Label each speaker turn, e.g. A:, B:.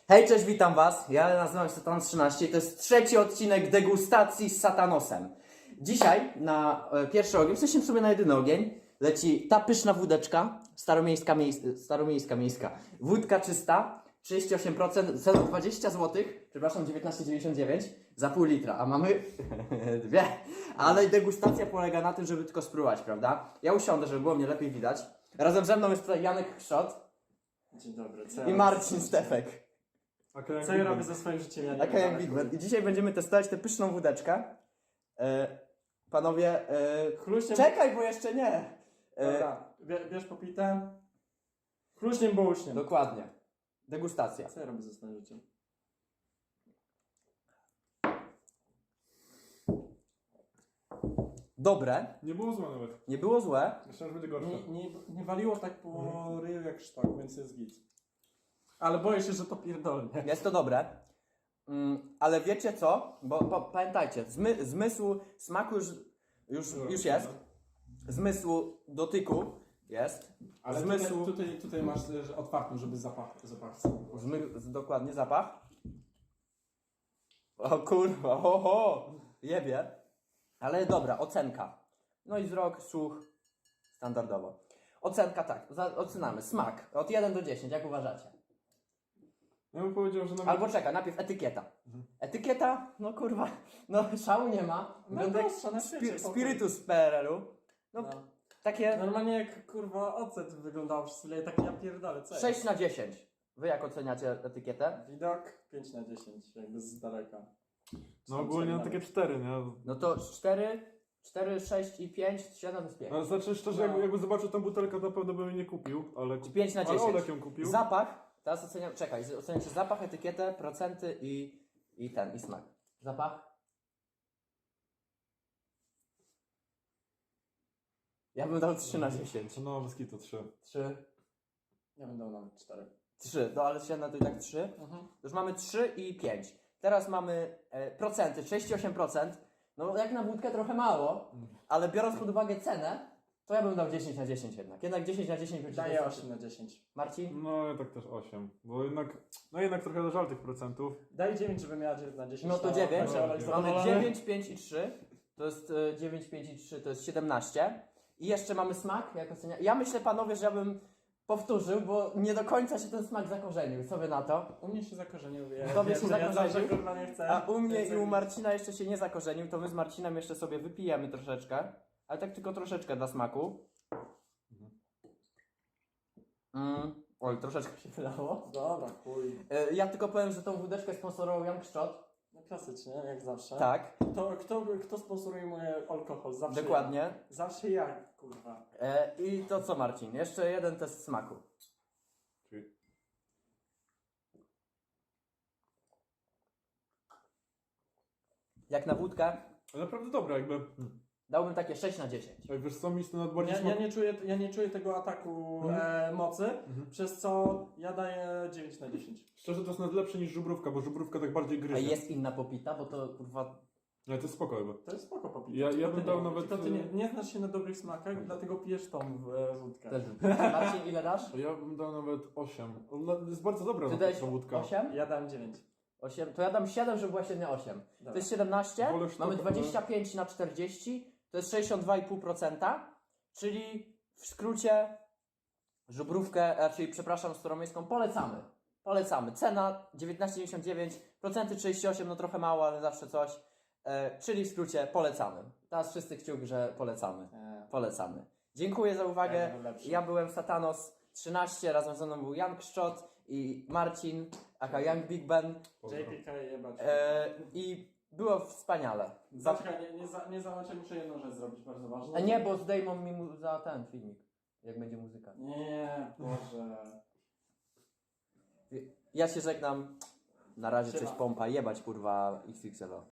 A: Hej, cześć, witam was. Ja nazywam się Satan13 i to jest trzeci odcinek degustacji z Satanosem. Dzisiaj na pierwszy ogień, w sensie sobie na jedyny ogień, leci ta pyszna wódeczka, staromiejska miejska. Wódka czysta, 38%, cena 20 zł, przepraszam, 19,99 za pół litra, a mamy dwie. Ale degustacja polega na tym, żeby tylko spróbować, prawda? Ja usiądę, żeby było mnie lepiej widać. Razem ze mną jest tutaj Janek Krzot
B: Dzień dobry.
A: i Marcin Stefek.
B: Co ja robię ze swoim życiem? Ja nie
A: Taka
B: wiem,
A: jak Big Ben. I dzisiaj będziemy testować tę pyszną wódeczkę. Panowie,
B: Chluśniem...
A: czekaj, bo jeszcze nie.
B: Dobra, bierz popitę. Chluśniem, bołuśniem.
A: Dokładnie. Degustacja.
B: Co ja robię ze swoim życiem?
A: Dobre,
C: Nie było złe nawet.
A: nie było złe.
C: Myślałem, że będzie gorsze.
B: Nie waliło tak po ryju jak sztok, więc jest git. Ale boję się, że to pierdolnie.
A: Jest to dobre. Ale wiecie co? Bo pamiętajcie, zmysł smaku już jest. Zmysł dotyku jest.
B: Ale
A: Zmysł...
B: tutaj masz otwartą, żeby zapach.
A: Dokładnie, zapach. O kurwa, ho, jebie. Ale dobra, ocenka. No i wzrok, słuch, standardowo. Ocenka tak, oceniamy. Smak, od 1 do 10, jak uważacie?
C: Ja bym powiedział, że nawet...
A: Albo czekaj, najpierw etykieta. Etykieta, no kurwa, no szału nie ma. Wygląda jak
B: Najdroższa na świecie,
A: spirytus z PRL-u. No, takie
B: Normalnie jak kurwa ocet wyglądał przez chwilę, tak ja pierdolę, co
A: 6 na 10. Wy jak oceniacie etykietę?
B: Widok 5 na 10, jakby z daleka.
C: No ogólnie na takie 4, nie?
A: No to 4, 6 i 5, 7 jest 5.
C: No, znaczy szczerze,
B: No.
C: jakby zobaczył tą butelkę, to na pewno bym jej nie kupił, ale...
A: 5 na 10.
C: Ale Olek ją kupił.
A: Zapach, teraz oceniam, czekaj, oceniacie zapach, etykietę, procenty i smak. Zapach? Ja bym dał 3 na 10.
C: No, bez to 3.
A: 3.
B: Ja bym dał nawet 4.
A: 3, no ale się na to i tak 3. Już mamy 3 i 5. Teraz mamy procenty, 68%. No jak na wódkę trochę mało, ale biorąc pod uwagę cenę, to ja bym dał 10 na 10 jednak. Jednak 10 na 10 będzie
B: Daję
A: dosyć.
B: 8 na 10.
A: Marcin?
C: No, ja tak też 8. Bo jednak... No jednak trochę żal tych procentów.
B: Daj 9, żeby miała 9 na 10.
A: No to 9.
B: będzie Olek
A: Mamy
B: zadowolony.
A: 9, 5 i 3. To jest 9, 5 i 3 to jest 17. I jeszcze mamy smak, jak ocenia. Ja myślę, panowie, że ja bym powtórzył, bo nie do końca się ten smak zakorzenił. Co wy na to?
B: U mnie się zakorzenił.
A: Tobie się
B: Ja zawsze
A: zakorzenił?
B: kurwa nie chcę.
A: A u mnie
B: Więcej
A: i u
B: niż-
A: Marcina jeszcze się nie zakorzenił, to my z Marcinem jeszcze sobie wypijemy troszeczkę. Ale tak tylko troszeczkę dla smaku. Oj, troszeczkę się wydało.
B: Dobra, chuj.
A: Ja tylko powiem, że tą wódeczkę sponsorował Jan Krzczot.
B: No klasycznie, jak zawsze.
A: Tak,
B: Kto sponsoruje mój alkohol? Zawsze
A: dokładnie.
B: Ja. Zawsze ja, kurwa.
A: I to co, Marcin? Jeszcze jeden test smaku.
C: Czyli...
A: Jak na wódkę,
C: Ale naprawdę dobra, jakby...
A: dałbym takie 6 na 10.
C: Jak wiesz co, mi to nawet bardziej
B: Ja nie czuję tego ataku mocy, przez co ja daję 9 na 10.
C: Szczerze, to jest nawet lepsze niż żubrówka, bo żubrówka tak bardziej
A: A
C: gryzie.
A: jest inna popita, bo to kurwa...
C: Ale to jest spoko chyba.
B: To jest spoko popite.
C: Ja
B: Tylko
C: bym
B: ty
C: dał
B: nie-
C: nawet-
B: Tylko ty nie znasz się na dobrych smakach, dlatego pijesz tą wódkę.
A: Też. Marcin, ile dasz?
C: Ja bym dał nawet 8. Ona jest bardzo dobra
A: Ty
C: na
A: dałeś
C: tą wódkę.
A: 8?
B: Ja dam 9.
A: 8? To ja dam 7, żeby była średnia 8. To
B: Dobra.
A: jest 17,
C: Wolę sztukę,
A: mamy 25 na 40, to jest 62,5%, czyli w skrócie żubrówkę, czyli przepraszam, staromiejską polecamy. Polecamy. Cena 19,99, procenty 38, no trochę mało, ale zawsze coś. Czyli w skrócie polecamy. Teraz wszyscy kciuk, że polecamy. Polecamy. Dziękuję za uwagę.
B: Ja będę lepszy.
A: Ja byłem Satanos 13, razem ze mną był Jan Krzczot i Marcin, aka Young Big Ben.
B: JPK jebać.
A: I było wspaniale.
B: Zaczekaj, nie załączę, muszę jedną rzecz zrobić, bardzo ważną.
A: A nie, bo zdejmą mi za ten filmik, jak będzie muzyka.
B: Nie, Boże.
A: Ja się żegnam. Na razie,
B: Siema.
A: cześć pompa, jebać kurwa XXL.